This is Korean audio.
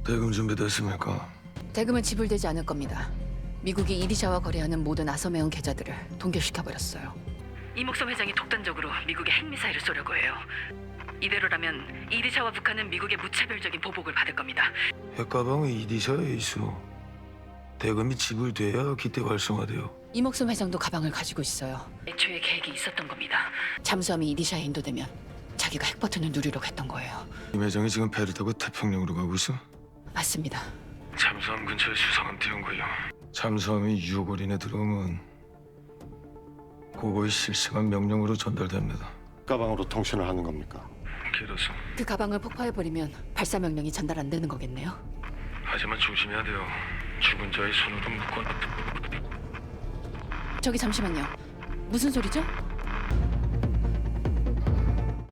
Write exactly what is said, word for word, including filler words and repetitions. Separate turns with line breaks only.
대금 준비됐습니까?
대금은 지불되지 않을 겁니다. 미국이 이리샤와 거래하는 모든 아서메온 계좌들을 동결시켜버렸어요. 이목섬 회장이 독단적으로 미국에 핵미사일을 쏘려고 해요. 이대로라면 이리샤와 북한은 미국의 무차별적인 보복을 받을 겁니다.
핵가방은 이디샤에 있어. 대금이 지불돼야 기대 활성화돼요.
이목섬 회장도 가방을 가지고 있어요. 애초에 계획이 있었던 겁니다. 잠수함이 이리샤에 인도되면 자기가 핵 버튼을 누리려고 했던 거예요.
임 회장이 지금 배를 타고 태평양으로 가고 있어?
맞습니다.
잠수함 근처에 수상한 띄운 거요. 잠수함이 유골 이내 들어오면 그거의 실시간 명령으로 전달됩니다.
가방으로 통신을 하는 겁니까?
길어서.
그 가방을 폭파해버리면 발사 명령이 전달 안 되는 거겠네요.
하지만 조심해야 돼요. 죽은 자의 손으로 묶어.
저기 잠시만요. 무슨 소리죠?